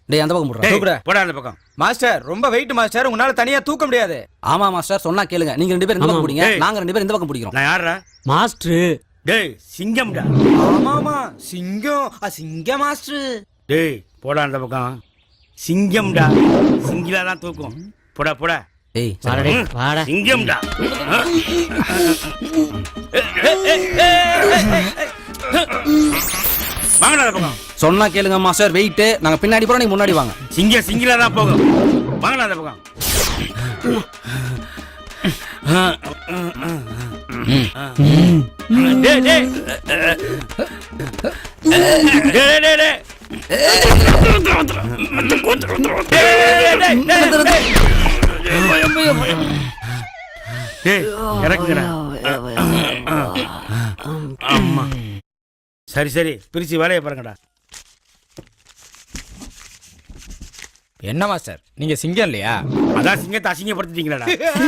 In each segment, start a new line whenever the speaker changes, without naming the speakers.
டேய் அந்த பக்கம் போடுறா.
தூக்குடா.
போடா அந்த பக்கம்.
மாஸ்டர் ரொம்ப வெயிட் மாஸ்டர், உங்களால தனியா தூக்க முடியாது.
ஆமா மாஸ்டர், சொன்னா கேளுங்க. நீங்க 2 பேரும் இந்த பக்கம் பிடிங்க,
டேய்.
நாங்க 2 பேரும் இந்த பக்கம் பிடிக்கிறோம்.
நான் யாரா?
மாஸ்டர்.
டேய் சிங்கம்டா.
ஆமாமா சிங்கம், சிங்கம் மாஸ்டர்.
டேய் போடா அந்த பக்கம். சிங்கம்டா, சிங்கிலா தான் தூக்கும். போடா போடா.
டேய்
வாடா டேய், வாடா.
சிங்கம்டா. வாங்கடா அந்த பக்கம்.
சொன்னா கேளுங்க மாஸ்டர், வெயிட். நாங்க பின்னாடி போறோம், நீங்க முன்னாடி வாங்க.
சிங்கிலா தான் போகும். வாங்கடா அந்த பக்கம். டேய் டேய் டேய் டேய் டேய் இறக்குங்கடா. ஆமா சரி சரி, பிரிச்சு வேலையை பாருங்கடா.
என்ன மாஸ்டர் நீங்க சிங்கம் இல்லையா?
அதான் சிங்கத்தை அசிங்கப்படுத்திட்டீங்களாடா.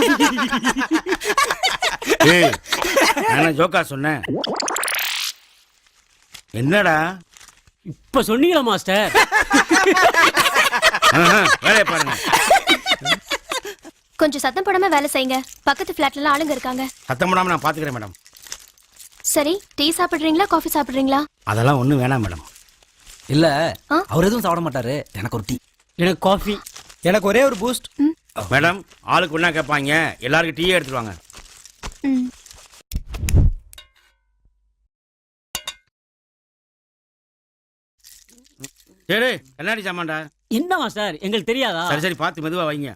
ஏய் நான் ஜோக்கா சொன்னேன். என்னடா
இப்ப சொன்னீங்களா மாஸ்டர்?
வேலையை பாருங்க.
கொஞ்சம் சத்தம் போடாம வேலை செய்யுங்க. பக்கத்து ஃபிளாட்ல எல்லாம் ஆளுங்க இருக்காங்க.
சத்தம் போடாம நான் பாத்துக்கிறேன் மேடம்.
சரி, டீ சாப்பிடுறீங்களா காஃபி சாப்பிடுறீங்களா?
அதெல்லாம் ஒண்ணும் வேணாம் மேடம்.
இல்ல
ஆ?
அவர் எதுவும் சாப்பிட மாட்டாரு. எனக்கு ஒரு டீ.
எனக்கு காஃபி.
எனக்கு ஒரே ஒரு பூஸ்ட்.
மேடம் ஆளுக்கு ஒண்ணா கேட்பாங்க, எல்லாருக்கும் டீயே எடுத்துட்டு வாங்க.
ம்.
சரி கண்ணாடி சாமான்டா.
என்ன மாஸ்டர் எங்களுக்கு தெரியாதா?
சரி சரி பார்த்து மெதுவா வைங்க.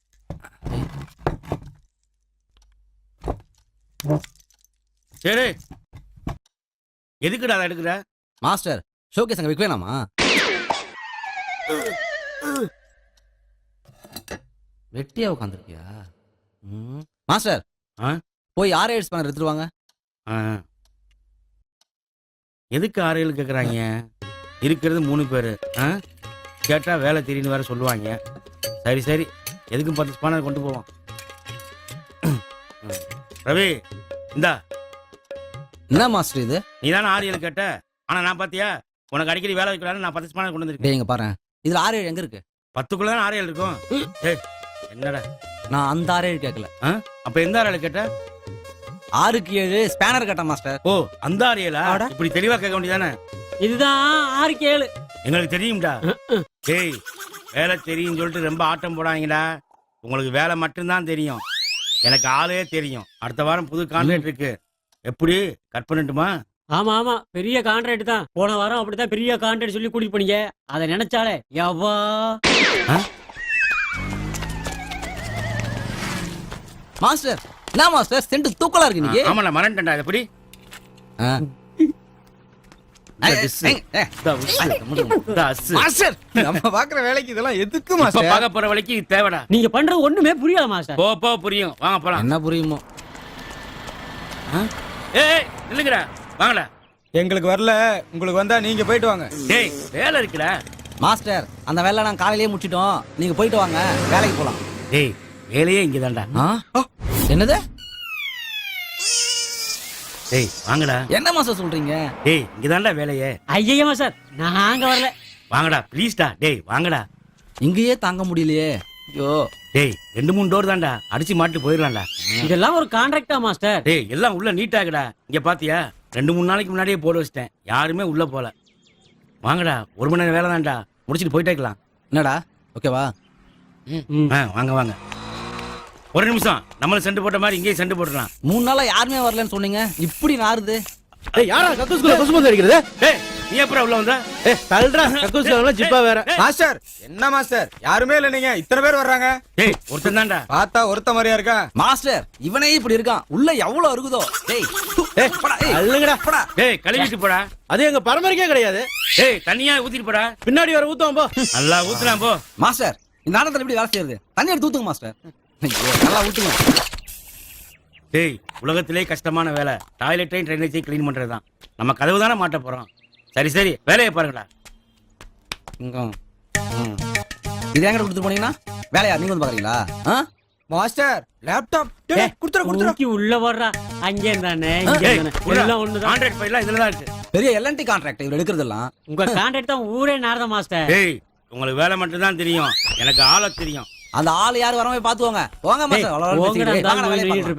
சரி எதுக்குடா அதை எடுக்கிற?
மாஸ்டர் ஷோகேஸ் அங்க வைக்க வேணாமா? வெட்டியா உட்காந்துருக்கியா? மாஸ்டர்
ஆ?
போய் 6 ஸ்பேனர் எடுத்துட்டு வாங்க.
ஆ. எதுக்கு 6 7 கேட்குறாங்க? இருக்கிறது 3 பேர். கேட்டா வேலை தெரியுன்னு வேற சொல்லுவாங்க. சரி சரி, எதுக்கும் 10 ஸ்பானர் கொண்டு போவோம். ரவி இந்தா.
என்ன மாஸ்டர் இது?
நீ தானே 6 7 கேட்ட. ஆனா நான் பாத்தியா, உனக்கு அடிக்கடி வேலை வைக்கலான்னு நான் 10 ஸ்பானர் கொண்டு வந்திருக்கேன்.
டேய் இங்க பாரு, இதுல 6 7 எங்க இருக்கு?
10க்குள்ள தான் 6 7 இருக்கும். ஏய் என்னடா
நான் அந்த 6 7 கேட்கல.
அப்ப எந்த 6 7 கேட்ட?
6க்கு 7 ஸ்பேனர் கேட்டேன் மாஸ்டர்.
ஓ அந்த 6 7 இப்படி தெளிவா கேட்க வேண்டியதானே?
இதுதான் 6க்கு 7.
எங்களுக்கு தெரியும்டா. டேய் வேலை தெரியும் சொல்லிட்டு ரொம்ப ஆட்டம் போடாதீங்கடா. உங்களுக்கு வேலை மட்டும்தான் தெரியும், எனக்கு ஆளே தெரியும். அடுத்த வாரம் புது கான்ட்ராக்ட் இருக்கு. எப்படி கட் பண்ணட்டுமா?
ஆமா ஆமா, பெரிய கான்ட்ராக்ட் தான். போன வாரம் அப்படித்தான் பெரிய கான்ட்ராக்ட் சொல்லி கூட்டிட்டு போனீங்க. அதை நினைச்சாலே எவ்வா.
மாஸ்டர் என்ன மாஸ்டர் சென்ட் தூக்கலா இருக்கு நீங்க?
ஆமா நான் மறந்துட்டேன்டா. எப்படி
மாஸ்டர்
நம்ம பாக்குற வேலைக்கு இதெல்லாம் எதுக்கு
இப்ப
மாஸ்டர்?
பார்க்க போற வழிக்கு இது தேவைடா.
நீங்க பண்றது ஒண்ணுமே புரியல மாஸ்டர்.
போ போ புரியும், வாங்க போலாம்.
என்ன புரியுமோ?
ஏய் இல்லங்கடா, வாங்கடா.
எங்களுக்கு வரல, உங்களுக்கு வந்தா நீங்க போயிட்டு வாங்க.
டேய் வேலை இருக்குடா.
மாஸ்டர் அந்த வேலை நான் காலையிலேயே முடிச்சிட்டோம், நீங்க போயிட்டு வாங்க, வேலைக்கு போலாம்.
டேய் வேலையே இங்கதான்டா.
என்னது?
டேய் வாங்கடா.
என்ன மாஸ்டர் சொல்றீங்க?
டேய் இங்கதான்டா வேலையே.
ஐயா மாஸ்டர் நாங்க வரல.
வாங்கடா ப்ளீஸ்டா. டேய் வாங்கடா.
இங்கேயே தாங்க முடியலையே. ஐயோ
டேய் 2 3 டோர் தான்டா, அடிச்சு மாட்டு போயிடலாம்டா.
இதெல்லாம் ஒரு கான்ட்ராக்டா மாஸ்டர்?
டேய் எல்லாம் உள்ள நீட்டாகடா. இங்க பாத்தியா 2 3 நாளைக்கு முன்னாடியே போட வச்சிட்டேன், யாருமே உள்ள போல. வாங்கடா, 1 மணி நேரம் வேலை தான்டா, முடிச்சிட்டு போயிட்டே இருக்கலாம்.
என்னடா ஓகேவா?
வாங்க வாங்க. ஒரு நிமிஷம், நம்மளும் செண்டு போட்ட மாதிரி இங்கேயும் செண்டு போட்டுடலாம்.
3 நாளா யாருமே வரலன்னு சொன்னீங்க, இப்படி நாறுது.
ஏய் யாரா கக்கூஸ்குள்ள கொசுமந்து அடிக்கிறது?
டேய் நீ எப்பறம் உள்ள வந்த?
ஏய் தள்ளுடா, கக்கூஸ்குள்ள ஜிப்பா வேற.
மாஸ்டர் என்ன மாஸ்டர் யாருமே இல்ல, நீங்க இத்தனை பேர் வர்றாங்க.
டேய் ஒருத்தன் தான்டா.
பார்த்தா ஒருத்த மாதிரியா இருக்கா?
மாஸ்டர் இவனே இப்படி இருக்கான், உள்ள எவ்வளவு இருக்குதோ. டேய்
ஏய் அள்ளுங்கடா.
டேய் கழுவிட்டு போடா.
அது எங்க பரம்பரைக்கே கிடையாது.
டேய் தண்ணியா ஊத்திட்டு போடா.
பின்னாடி வர ஊத்துவோம் போ.
நல்லா ஊத்துலாம் போ.
மாஸ்டர் இந்த நேரத்துல எப்படி வேலை செய்யறது? தண்ணி எடுத்து ஊத்துங்க மாஸ்டர். ஐயோ நல்லா ஊத்துங்க.
டேய் உலகத்திலே கஷ்டமான வேலை டாய்லெட்டையும் ட்ரைனேஜையும் கிளீன் பண்றதுதான். நம்ம கதவு தானே மாட்ட போறோம். சரி சரி வேலையை பாருங்கடா.
இது எங்க கொடுத்து போனீங்கன்னா வேலையா நீங்க வந்து பாக்குறீங்களா?
மாஸ்டர் லேப்டாப் குடுத்துற
தூக்கி உள்ள வர்றா. அங்கே தானே இங்கே தானே எல்லாம் ஒண்ணுதான்.
கான்ட்ராக்ட் ஃபைல்லாம் இதுல தான் இருக்கு.
பெரிய எல்என்டி கான்ட்ராக்ட் இவர் எடுக்கிறதெல்லாம்.
உங்க கான்ட்ராக்ட் தான் ஊரே நாரத மாஸ்டர்.
டேய் உங்களுக்கு வேலை மட்டும்தான் தெரியும் எனக்கு ஆளை தெரியும்.
அந்த ஆள் யார் வரவே பாத்துக்கோங்க. போங்க மாஸ்டர். அவ்வளவு
போங்கடா,
பேசிக்கிட்டு.
இந்த ஆள்
வாங்கடா, வேலையை
போய்
பார்க்கலாம்.